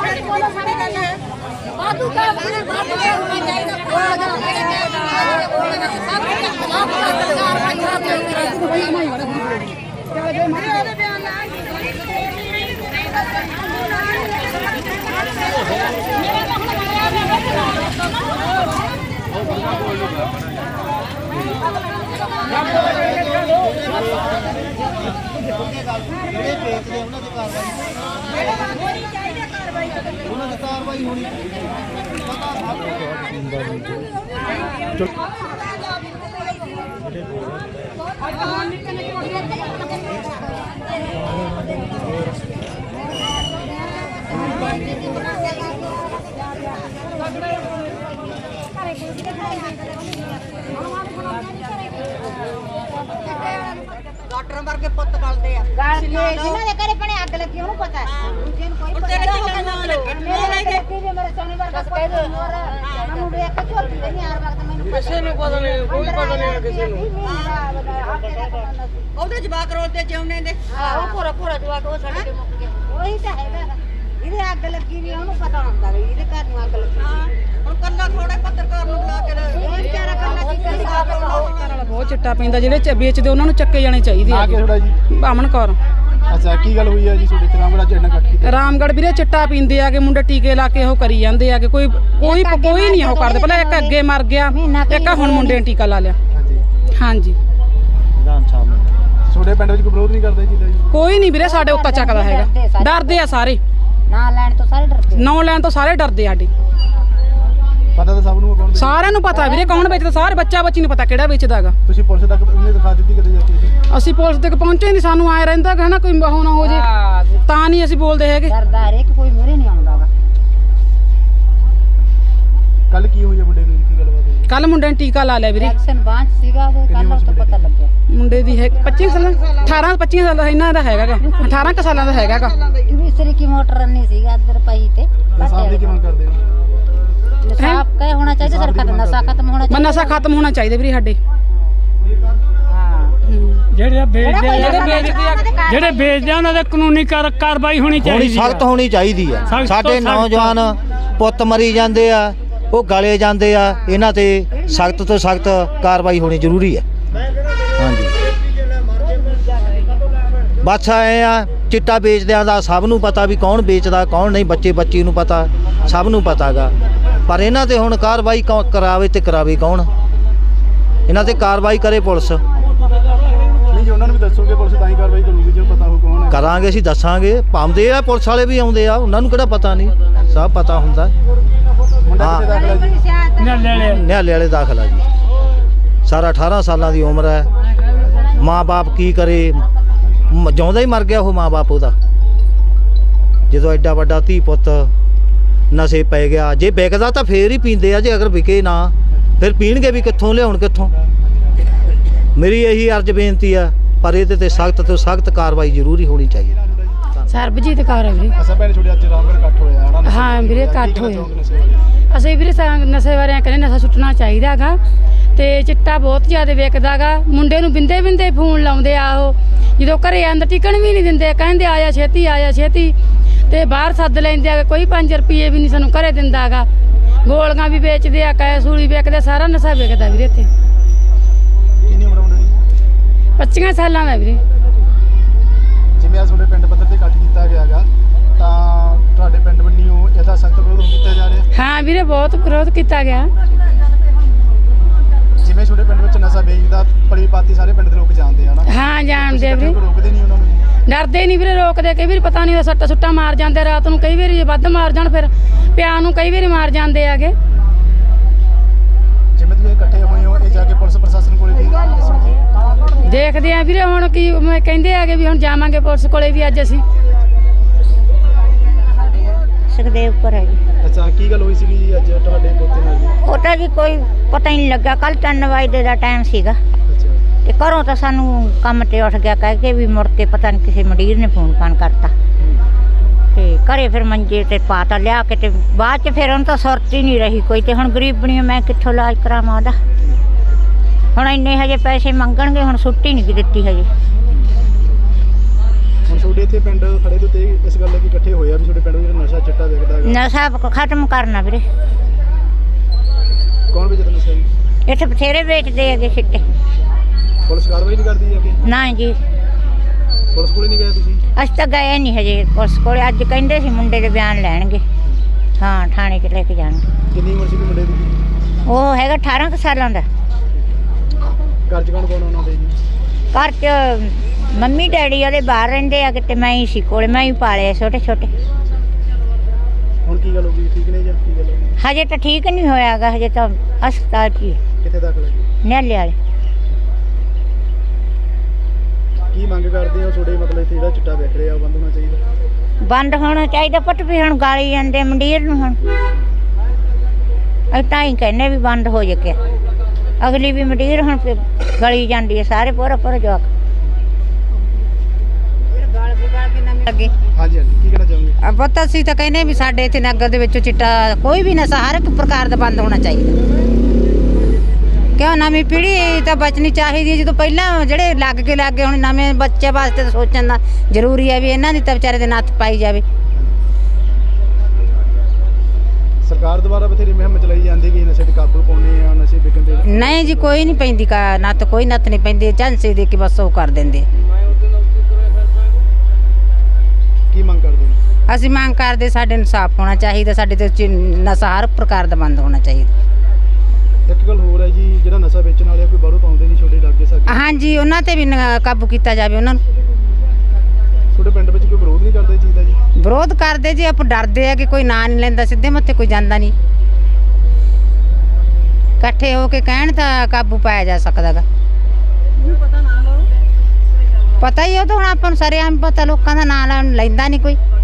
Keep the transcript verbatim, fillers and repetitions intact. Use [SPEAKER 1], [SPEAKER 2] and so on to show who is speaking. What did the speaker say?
[SPEAKER 1] ਡਾਕਟਰਾਂ ਵਰਗੇ ਪੁੱਤ ਗਲਦੇ ਆ ਗਲ ਕੇ ਜਿਨ੍ਹਾਂ ਦੇ ਘਰੇ ਪਣੇ ਅੱਗ ਲੱਗੀ ਉਹਨੂੰ ਪਤਾ ਹੈ ਦੂਜੇ ਨੂੰ ਕੋਈ ਪਤਾ ਨਹੀਂ। ਮੇਰੇ ਲੱਗੀ ਜੇ ਮੇਰੇ ਸੋਨੇ ਵਰਗਾ ਕਹਿ ਦੇ ਮੈਨੂੰ ਦੇਖ ਕੇ ਝੋਲਦੀ ਨਹੀਂ ਹਰ ਵਕਤ ਮੈਨੂੰ ਕਿਸੇ ਨੂੰ ਪਤਾ ਨਹੀਂ ਕੋਈ ਪਤਾ ਨਹੀਂ ਕਿਸੇ ਨੂੰ ਉਹਦੇ ਜਵਾਕ ਰੋਲਦੇ ਜਿਉਣੇ ਦੇ ਆਹ ਪੂਰਾ ਪੂਰਾ ਜਵਾਕ ਉਹ ਸਾਡੇ ਕੇ ਮੁੱਕ ਗਿਆ ਉਹੀ ਤਾਂ ਹੈਗਾ ਇਹਦੇ ਅੱਗ ਲੱਗੀ ਨਹੀਂ ਉਹਨੂੰ ਪਤਾ ਹੁੰਦਾ ਵੀ ਇਹਦੇ ਘਰ ਨੂੰ ਅੱਗ ਲੱਗੀ ਹੁਣ ਕੱਲਾ ਥੋੜੇ ਪੱਤਰਕਾਰ ਨੂੰ ਬੁਲਾ ਕੇ ਇਹ ਵਿਚਾਰਾ ਕੱਲਾ ਕੀ ਕਰੇਗਾ।
[SPEAKER 2] ਬਹੁਤ ਚਿੱਟਾ ਪੈਂਦਾ ਜਿਹੜੇ ਵੇਚਦੇ ਉਹਨਾਂ ਨੂੰ ਚੱਕੇ ਜਾਣੇ ਚਾਹੀਦੇ ਆ।
[SPEAKER 3] ਥੋੜਾ ਜੀ
[SPEAKER 2] ਬਾਮਣ ਕੌਰ।
[SPEAKER 3] ਅੱਛਾ ਕੀ ਗੱਲ ਹੋਈ ਹੈ ਜੀ ਤੁਹਾਡੇ ਤੇ ਰਾਮਗੜ੍ਹ ਜਿਹੜਾ ਇਕੱਠ ਕੀਤਾ?
[SPEAKER 2] ਰਾਮਗੜ੍ਹ ਵੀਰੇ ਚਿੱਟਾ ਪੀਂਦੇ ਆ ਕਿ ਮੁੰਡੇ ਟੀਕੇ ਲਾ ਕੇ ਉਹ ਕਰੀ ਜਾਂਦੇ ਆ ਕਿ ਕੋਈ ਕੋਈ ਕੋਈ ਨਹੀਂ ਉਹ ਕਰਦੇ। ਪਹਿਲਾਂ ਇੱਕ ਅੱਗੇ ਮਰ ਗਿਆ, ਇੱਕ ਹੁਣ ਮੁੰਡੇ ਨੇ ਟੀਕਾ ਲਾ ਲਿਆ।
[SPEAKER 3] ਹਾਂਜੀ
[SPEAKER 2] ਹਾਂਜੀ
[SPEAKER 3] ਰਾਮ ਸਾਹਿਬ ਨੇ ਤੁਹਾਡੇ ਪਿੰਡ ਵਿੱਚ ਕੋਈ ਵਿਰੋਧ ਨਹੀਂ ਕਰਦਾ ਜੀ?
[SPEAKER 2] ਕੋਈ ਨਹੀਂ ਵੀਰੇ ਸਾਡੇ ਉੱਤਾ ਚੱਕਦਾ ਹੈਗਾ। ਡਰਦੇ ਆ ਸਾਰੇ,
[SPEAKER 1] ਨਾ ਲੈਣ ਤੋਂ ਸਾਰੇ ਡਰਦੇ,
[SPEAKER 2] ਨੌ ਲੈਣ ਤੋਂ ਸਾਰੇ ਡਰਦੇ ਸਾਡੇ।
[SPEAKER 3] ਪਤਾ ਤਾਂ ਸਭ ਨੂੰ ਕੌਣ?
[SPEAKER 2] ਸਾਰਿਆਂ ਨੂੰ ਪਤਾ ਵੀਰੇ ਕੌਣ ਵੇਚਦਾ, ਸਾਰੇ ਬੱਚਾ ਬੱਚੀ ਨੂੰ ਪਤਾ ਕਿਹੜਾ ਵੇਚਦਾ ਹੈਗਾ।
[SPEAKER 3] ਤੁਸੀਂ ਪੁਲਿਸ ਤੱਕ ਉਹਨੇ ਦਿਖਾ ਦਿੱਤੀ ਕਦੇ ਜਾ ਕੇ?
[SPEAKER 2] ਅਸੀਂ ਪੁਲਿਸ ਤੱਕ ਪਹੁੰਚੇ ਨਹੀਂ, ਸਾਨੂੰ ਆਏ ਰਹਿੰਦਾ ਹੈ ਨਾ ਕੋਈ ਉਹ ਨਾ ਹੋ ਜੇ ਤਾਂ ਨਹੀਂ ਅਸੀਂ ਬੋਲਦੇ ਹੈਗੇ।
[SPEAKER 1] ਡਰਦਾ ਹਰੇਕ ਕੋਈ ਮੂਹਰੇ ਨਹੀਂ ਆਉਂਦਾਗਾ।
[SPEAKER 3] ਕੱਲ ਕੀ ਹੋਈ ਮੁੰਡੇ ਨੂੰ, ਕੀ ਗੱਲਬਾਤ ਹੋਈ?
[SPEAKER 2] ਕੱਲ ਮੁੰਡੇ ਨੇ ਟੀਕਾ ਲਾ ਲਿਆ ਵੀਰੇ।
[SPEAKER 1] ਐਕਸ਼ਨ ਬਾਂਝ ਸੀਗਾ ਉਹ ਕੱਲ ਉਸ ਤੋਂ ਪਤਾ ਲੱਗਿਆ।
[SPEAKER 2] ਮੁੰਡੇ ਦੀ ਹੈ ਪੱਚੀ ਸਾਲਾਂ ਅਠਾਰਾਂ ਪੱਚੀ ਸਾਲਾਂ ਦਾ ਇਹਨਾਂ ਦਾ ਹੈਗਾਗਾ, ਅਠਾਰਾਂ ਕੁ ਸਾਲਾਂ ਦਾ ਹੈਗਾਗਾ।
[SPEAKER 1] ਦੂਸਰੀ ਕੀ ਮੋਟਰ ਨਹੀਂ ਸੀਗਾ ਅੰਦਰ ਪਈ ਤੇ
[SPEAKER 3] ਸਾਹਿਬ ਦੀ ਕੀ ਮੰਗ ਕਰਦੇ ਹੋ?
[SPEAKER 1] ਨਸ਼ਾ ਕਹੇ ਹੋਣਾ ਚਾਹੀਦਾ ਸਰਕਾਰ ਦਾ, ਨਸ਼ਾ ਖਤਮ ਹੋਣਾ ਚਾਹੀਦਾ।
[SPEAKER 2] ਨਸ਼ਾ ਖਤਮ ਹੋਣਾ ਚਾਹੀਦਾ ਵੀਰੇ ਸਾਡੇ।
[SPEAKER 1] ਹਾਂ
[SPEAKER 4] ਜਿਹੜੇ ਵੇਚਦੇ ਜਿਹੜੇ ਵੇਚਦੇ ਆ ਜਿਹੜੇ ਵੇਚਦੇ ਆ ਉਹਨਾਂ ਦੇ ਕਾਨੂੰਨੀ ਕਾਰਵਾਈ ਹੋਣੀ ਚਾਹੀਦੀ ਹੈ,
[SPEAKER 5] ਸਖਤ ਹੋਣੀ ਚਾਹੀਦੀ ਆ। ਸਾਡੇ ਨੌਜਵਾਨ ਪੁੱਤ ਮਰੀ ਜਾਂਦੇ ਆ, ਉਹ ਗਲੇ ਜਾਂਦੇ ਆ, ਇਹਨਾਂ ਤੇ ਸਖਤ ਤੋਂ ਸਖਤ ਕਾਰਵਾਈ ਹੋਣੀ ਜ਼ਰੂਰੀ ਹੈ। ਹਾਂਜੀ ਬਸ ਐ ਆ ਚਿੱਟਾ ਵੇਚਦਿਆਂ ਦਾ ਸਭ ਨੂੰ ਪਤਾ ਵੀ ਕੌਣ ਵੇਚਦਾ ਕੌਣ ਨਹੀਂ, ਬੱਚੇ ਬੱਚੀ ਨੂੰ ਪਤਾ, ਸਭ ਨੂੰ ਪਤਾਗਾ। ਪਰ ਇਹਨਾਂ ਤੇ ਹੁਣ ਕਾਰਵਾਈ ਕਰਾਵੇ ਤੇ ਕਰਾਵੇ ਕੌਣ? ਇਹਨਾਂ ਤੇ ਕਾਰਵਾਈ ਕਰੇ ਪੁਲਿਸ।
[SPEAKER 3] ਨਹੀਂ ਜੀ ਉਹਨਾਂ ਨੂੰ ਵੀ ਦੱਸੋਗੇ ਪੁਲਿਸ ਤਾਂ ਹੀ ਕਾਰਵਾਈ ਕਰੂਗੀ ਜੇ ਪਤਾ ਹੋ ਕੌਣ ਹੈ।
[SPEAKER 5] ਕਰਾਂਗੇ ਅਸੀਂ, ਦੱਸਾਂਗੇ। ਪਾਉਂਦੇ ਆ ਪੁਲਿਸ ਵਾਲੇ ਵੀ ਆਉਂਦੇ ਆ, ਉਹਨਾਂ ਨੂੰ ਕਿਹੜਾ ਪਤਾ ਨਹੀਂ, ਸਭ ਪਤਾ ਹੁੰਦਾ।
[SPEAKER 3] ਮੁੰਡਾ ਕਿੱਥੇ ਦਾਖਲ ਹੈ ਜੀ?
[SPEAKER 5] ਨਿਹਾਲੇ ਵਾਲੇ ਦਾਖਲਾ ਜੀ। ਸਾਰਾ ਅਠਾਰਾਂ ਸਾਲਾਂ ਦੀ ਉਮਰ ਹੈ। ਮਾਂ ਬਾਪ ਕੀ ਕਰੇ, ਜਿਉਂਦਾ ਹੀ ਮਰ ਗਿਆ ਉਹ ਮਾਂ ਬਾਪ ਉਹਦਾ। ਜਦੋਂ ਐਡਾ ਵੱਡਾ ਧੀ ਪੁੱਤ ਨਸ਼ੇ ਪੈ ਗਿਆ, ਜੇ ਵਿਕਦਾ ਤਾਂ ਫੇਰ ਹੀ ਪੀਂਦੇ ਆ, ਜੇ ਅਗਰ ਵਿਕੇ ਨਾ ਫਿਰ ਪੀਣਗੇ ਵੀ ਕਿੱਥੋਂ, ਲਿਆਉਣ ਕਿੱਥੋਂ? ਮੇਰੀ ਇਹੀ ਅਰਜ਼ ਬੇਨਤੀ ਆ, ਪਰ ਇਹਦੇ ਤੇ ਸਖਤ ਤੋਂ ਸਖਤ ਕਾਰਵਾਈ ਜ਼ਰੂਰੀ ਹੋਣੀ ਚਾਹੀਦੀ।
[SPEAKER 2] ਸਰਬਜੀਤ ਕੌਰ ਹੈ ਵੀਰੇ।
[SPEAKER 3] ਅਸਾਂ ਭੈਣ ਛੋੜੇ ਅੱਜ ਰਾਮਗੜ੍ਹ ਇਕੱਠ ਹੋਇਆ ਹੈ ਨਾ?
[SPEAKER 2] ਹਾਂ ਵੀਰੇ ਇਕੱਠ ਹੋਇਆ। ਅਸੀਂ ਵੀਰੇ ਨਸ਼ੇ ਬਾਰੇ ਕਹਿੰਦੇ ਨਸ਼ਾ ਸੁੱਟਣਾ ਚਾਹੀਦਾ ਹੈਗਾ ਤੇ ਚਿੱਟਾ ਬਹੁਤ ਜ਼ਿਆਦਾ ਵਿਕਦਾ ਗਾ। ਮੁੰਡੇ ਨੂੰ ਬਿੰਦੇ ਬਿੰਦੇ ਫੋਨ ਲਾਉਂਦੇ ਆ, ਉਹ ਜਦੋਂ ਘਰੇ ਅੰਦਰ ਟਿਕਣ ਵੀ ਨਹੀਂ ਦਿੰਦੇ, ਕਹਿੰਦੇ ਆਇਆ ਛੇਤੀ ਆਇਆ ਛੇਤੀ, ਤੇ ਬਾਹਰ ਸੱਦ ਲੈਂਦੇ ਆ। ਕੋਈ ਪੰਜ ਰੁਪਏ ਵੀ ਨਹੀਂ ਸਾਨੂੰ ਘਰੇ ਦਿੰਦਾ ਗਾ। ਗੋਲੀਆਂ ਵੀ ਵੇਚਦੇ ਆ, ਕੈਸੂਲੀ ਵੇਚਦੇ, ਸਾਰਾ ਨਸ਼ਾ ਵਿਕਦਾ ਵੀਰੇ ਇੱਥੇ।
[SPEAKER 3] ਕਿੰਨੀ ਉਮਰ ਮੁੰਡੇ ਦੀ?
[SPEAKER 2] ਪੱਚੀਆਂ ਸਾਲਾਂ ਦਾ ਵੀਰੇ।
[SPEAKER 3] ਜਿਵੇਂ ਅੱਜ ਤੁਹਾਡੇ ਪਿੰਡ ਪੱਧਰ ਤੇ ਇਕੱਠ ਕੀਤਾ ਗਿਆ ਹੈਗਾ ਤਾਂ ਤੁਹਾਡੇ ਪਿੰਡ ਵੱਲੋਂ ਇਹਦਾ ਸਖਤ ਵਿਰੋਧ ਕੀਤਾ ਜਾ ਰਿਹਾ?
[SPEAKER 2] ਹਾਂ ਵੀਰੇ ਬਹੁਤ ਵਿਰੋਧ ਕੀਤਾ ਗਿਆ।
[SPEAKER 3] ਜਿਵੇਂ ਤੁਹਾਡੇ ਪਿੰਡ ਵਿੱਚ ਨਸ਼ਾ ਵੇਚਦਾ ਪਲੀ ਪਾਤੀ ਸਾਰੇ ਪਿੰਡ ਦੇ ਲੋਕ ਜਾਣਦੇ ਆ ਨਾ?
[SPEAKER 2] ਹਾਂ ਜਾਣਦੇ ਵੀਰੇ,
[SPEAKER 3] ਰੋਕਦੇ ਨਹੀਂ ਉਹਨਾਂ ਨੂੰ?
[SPEAKER 2] ਡਰਦੇ ਨਹੀਂ ਵੀਰੇ, ਰੋਕਦੇ। ਕਈ ਵਾਰੀ ਪਤਾ ਨਹੀਂ ਸੱਟਾ ਸੁੱਟਾ ਮਾਰ ਜਾਂਦੇ ਰਾਤ ਨੂੰ, ਕਈ ਵਾਰੀ ਵੱਧ ਮਾਰ ਜਾਣ, ਫਿਰ ਪਿਆ ਨੂੰ ਕਈ ਵਾਰੀ ਮਾਰ ਜਾਂਦੇ ਆਗੇ।
[SPEAKER 3] ਜਿਵੇਂ ਤੁਸੀਂ ਇਕੱਠੇ ਹੋਏ ਹੋ, ਇਹ ਜਾ ਕੇ ਪੁਲਿਸ ਪ੍ਰਸ਼ਾਸਨ ਕੋਲੇ ਵੀ ਦੱਸੋਗੇ?
[SPEAKER 2] ਦੇਖਦੇ ਆ ਵੀਰੇ ਹੁਣ ਕੀ ਕਹਿੰਦੇ ਆਗੇ ਵੀ ਹੁਣ ਜਾਵਾਂਗੇ ਪੁਲਿਸ ਕੋਲੇ ਵੀ ਅੱਜ ਅਸੀਂ।
[SPEAKER 1] ਸੁਖਦੇਵ ਪਰ ਹੈ ਜੀ।
[SPEAKER 3] ਅੱਛਾ ਕੀ ਗੱਲ ਹੋਈ ਸੀਗੀ ਜੀ ਅੱਜ ਤੁਹਾਡੇ ਪੋਤੇ ਨਾਲ ਜੀ?
[SPEAKER 1] ਉਹ ਤਾਂ ਜੀ ਕੋਈ ਪਤਾ ਹੀ ਨਹੀਂ ਲੱਗਾ। ਕੱਲ ਤਿੰਨ ਵਜੇ ਦਾ ਟਾਈਮ ਸੀਗਾ
[SPEAKER 3] ਅੱਛਾ
[SPEAKER 1] ਤੇ ਘਰੋਂ ਤਾਂ ਸਾਨੂੰ ਕੰਮ ਤੇ ਉੱਠ ਗਿਆ ਕਹਿ ਕੇ ਵੀ ਮੁੜ ਕੇ ਪਤਾ ਨਹੀਂ ਕਿਸੇ ਮੰਡੀਰ ਨੇ ਫੋਨ ਫਾਨ ਕਰਤਾ ਤੇ ਘਰੇ ਫਿਰ ਮੰਜੇ ਤੇ ਪਾਤਾ ਲਿਆ ਕੇ ਤੇ ਬਾਅਦ ਚ ਫਿਰ ਉਹਨੂੰ ਤਾਂ ਸੁਰਤ ਹੀ ਨਹੀਂ ਰਹੀ ਕੋਈ। ਤੇ ਹੁਣ ਗਰੀਬ ਬਣੀ ਮੈਂ ਕਿੱਥੋਂ ਇਲਾਜ ਕਰਾਵਾਂ ਉਹਦਾ? ਹੁਣ ਇੰਨੇ ਹਜੇ ਪੈਸੇ ਮੰਗਣਗੇ, ਹੁਣ ਛੁੱਟੀ ਨਹੀਂ ਦਿੱਤੀ ਹਜੇ।
[SPEAKER 3] ਹੁਣ ਤੁਹਾਡੇ ਇੱਥੇ ਪਿੰਡ ਖੜੇ ਤੋਂ ਤੇ ਇਸ ਗੱਲ ਲਈ ਇਕੱਠੇ ਹੋਏ ਆ ਵੀ ਤੁਹਾਡੇ ਪਿੰਡ ਵਿੱਚ ਜਿਹੜਾ ਨਸ਼ਾ ਚਿੱਟਾ ਵਿਕਦਾ ਹੈਗਾ,
[SPEAKER 1] ਨਸ਼ਾ ਖਤਮ ਕਰਨਾ ਵੀਰੇ।
[SPEAKER 3] ਕੌਣ ਵੇਚਦਾ ਨਸ਼ਾ ਜੀ?
[SPEAKER 1] ਇੱਥੇ ਬਥੇਰੇ ਵੇਚਦੇ ਹੈਗੇ ਸਿੱਟੇ।
[SPEAKER 3] ਪੁਲਿਸ ਕਾਰਵਾਈ ਨਹੀਂ ਕਰਦੀ ਅੱਗੇ?
[SPEAKER 1] ਨਾ ਜੀ,
[SPEAKER 3] ਪੁਲਿਸ ਕੋਲੇ ਨਹੀਂ ਗਏ ਤੁਸੀਂ?
[SPEAKER 1] ਅਸੀਂ ਤਾਂ ਗਏ ਨਹੀਂ ਹਜੇ ਪੁਲਿਸ ਕੋਲੇ। ਅੱਜ ਕਹਿੰਦੇ ਸੀ ਮੁੰਡੇ ਦੇ ਬਿਆਨ ਲੈਣਗੇ, ਹਾਂ ਥਾਣੇ 'ਚ ਲੈ ਕੇ ਜਾਣਗੇ।
[SPEAKER 3] ਕਿੰਨੀ ਉਮਰ ਸੀ ਮੁੰਡੇ ਦੀ?
[SPEAKER 1] ਉਹ ਹੈਗਾ ਅਠਾਰਾਂ ਕੁ ਸਾਲਾਂ ਦਾ।
[SPEAKER 3] ਘਰ 'ਚ ਕੌਣ ਕੌਣ ਉਹਨਾਂ ਦੇ ਜੀ?
[SPEAKER 1] ਘਰ 'ਚ ਮੰਮੀ ਡੈਡੀ ਉਹਦੇ ਬਾਹਰ ਰਹਿੰਦੇ ਆ ਕਿਤੇ, ਮੈਂ ਹੀ ਸੀ ਕੋਲੇ, ਮੈਂ ਹੀ ਪਾਲੇ ਛੋਟੇ ਛੋਟੇ।
[SPEAKER 3] ਹੁਣ ਕੀ ਗੱਲ ਹੋ ਗਈ, ਠੀਕ ਨੇ ਜਾਂ ਕੀ ਗੱਲ ਹੋ ਗਈ?
[SPEAKER 1] ਹਜੇ ਤਾਂ ਠੀਕ ਨਹੀਂ ਹੋਇਆਗਾ, ਹਜੇ ਤਾਂ ਹਸਪਤਾਲ 'ਚ ਹੀ
[SPEAKER 3] ਕਿੱਥੇ ਦਾਖਲ ਹੈ ਜੀ?
[SPEAKER 1] ਨਿਆਲੇ ਵਾਲੇ।
[SPEAKER 3] ਕੀ ਮੰਗ ਕਰਦੇ ਹੋ ਤੁਹਾਡੇ ਮਤਲਬ ਇੱਥੇ ਜਿਹੜਾ ਚਿੱਟਾ ਵਿਕ ਰਿਹਾ ਉਹ ਬੰਦ ਹੋਣਾ ਚਾਹੀਦਾ?
[SPEAKER 1] ਬੰਦ ਹੋਣਾ ਚਾਹੀਦਾ ਪੁੱਤ, ਵੀ ਹੁਣ ਗਾਲੀ ਜਾਂਦੇ ਮੰਡੀਰ ਨੂੰ। ਹੁਣ ਅਸੀਂ ਤਾਂ ਹੀ ਕਹਿੰਦੇ ਵੀ ਬੰਦ ਹੋ ਜਾਕੇ। ਅਗਲੀ ਵੀ ਮੰਡੀਰ ਹੁਣ ਫਿਰ ਗਲੀ ਜਾਂਦੀ ਹੈ, ਸਾਰੇ ਪੂਰਾ ਪੂਰਾ ਜਵਾਕ।
[SPEAKER 3] ਹਾਂਜੀ ਹਾਂਜੀ, ਕੀ ਕਹਿਣਾ ਚਾਹੋਗੇ?
[SPEAKER 6] ਪਤਾ ਅਸੀਂ ਤਾਂ ਕਹਿੰਦੇ ਵੀ ਸਾਡੇ ਇੱਥੇ ਨਗਰ ਦੇ ਵਿੱਚੋਂ ਚਿੱਟਾ ਕੋਈ ਵੀ ਨਸ਼ਾ ਹਰ ਇੱਕ ਪ੍ਰਕਾਰ ਦਾ ਬੰਦ ਹੋਣਾ ਚਾਹੀਦਾ। ਕਿਉਂ ਨਵੀਂ ਪੀੜ੍ਹੀ ਤਾਂ ਬਚਣੀ ਚਾਹੀਦੀ ਹੈ। ਜਦੋਂ ਪਹਿਲਾਂ ਜਿਹੜੇ ਲੱਗ ਕੇ ਲੱਗ ਗਏ, ਹੁਣ ਨਵੇਂ ਬੱਚੇ ਵਾਸਤੇ ਤਾਂ ਸੋਚਣ ਦਾ ਜ਼ਰੂਰੀ ਹੈ ਵੀ ਇਹਨਾਂ ਦੀ ਤਾਂ ਵਿਚਾਰੇ ਦੇ ਨੱਥ ਪਾਈ ਜਾਵੇ।
[SPEAKER 3] ਸਰਕਾਰ ਦੁਆਰਾ ਬਥੇਰੀ ਮੁਹਿੰਮ ਚਲਾਈ ਜਾਂਦੀ ਕਿ ਨਸ਼ੇ ਤੇ ਕਾਬੂ ਪਾਉਣੇ ਆ, ਨਸ਼ੇ ਵਿਕਣ ਤੇ।
[SPEAKER 6] ਨਹੀਂ ਜੀ, ਕੋਈ ਨਹੀਂ ਪੈਂਦੀ ਕਾ ਨੱਥ, ਕੋਈ ਨੱਥ ਨਹੀਂ ਪੈਂਦੀ। ਝਾਂਸੇ ਦੇ ਕੇ ਬਸ ਉਹ ਕਰ ਦਿੰਦੇ।
[SPEAKER 3] ਕੀ ਮੰਗ ਕਰਦੇ ਨੇ?
[SPEAKER 6] ਅਸੀਂ ਮੰਗ ਕਰਦੇ ਸਾਡੇ ਇਨਸਾਫ ਹੋਣਾ ਚਾਹੀਦਾ, ਸਾਡੇ ਤੇ ਚ- ਨਸ਼ਾ ਹਰ ਪ੍ਰਕਾਰ ਦਾ ਬੰਦ ਹੋਣਾ ਚਾਹੀਦਾ।
[SPEAKER 3] ਇੱਕ ਗੱਲ ਹੋਰ ਹੈ ਜੀ, ਜਿਹੜਾ ਨਸ਼ਾ ਵੇਚਣ ਵਾਲੇ ਆ ਕੋਈ ਬਾਹਰੋਂ ਪਾਉਂਦੇ ਨਹੀਂ ਛੋਟੇ ਲਾਗੇ ਸਾਡੇ,
[SPEAKER 6] ਹਾਂਜੀ, ਉਹਨਾਂ ਤੇ ਵੀ ਨ- ਕਾਬੂ ਕੀਤਾ ਜਾਵੇ। ਉਹਨਾਂ ਨੂੰ
[SPEAKER 3] ਤੁਹਾਡੇ ਪਿੰਡ ਵਿੱਚ ਕੋਈ ਵਿਰੋਧ ਨਹੀਂ ਕਰਦਾ ਇਹ ਚੀਜ਼ ਦਾ ਜੀ?
[SPEAKER 6] ਵਿਰੋਧ ਕਰਦੇ ਜੀ, ਆਪਾਂ ਡਰਦੇ ਆ ਕਿ ਕੋਈ ਨਾਂ ਨਹੀਂ ਲੈਂਦਾ, ਸਿੱਧੇ ਮੱਥੇ ਕੋਈ ਜਾਂਦਾ ਨਹੀਂ। ਇਕੱਠੇ ਹੋ ਕੇ ਕਹਿਣ ਤਾਂ ਕਾਬੂ ਪਾਇਆ ਜਾ ਸਕਦਾ ਗਾ। ਪਤਾ ਹੀ ਉਹ ਤਾਂ ਹੁਣ ਆਪਾਂ ਨੂੰ ਸਾਰੇ ਆਮ ਪਤਾ, ਲੋਕਾਂ ਦਾ ਨਾਂ ਲੈਂਦਾ ਨਹੀਂ ਕੋਈ।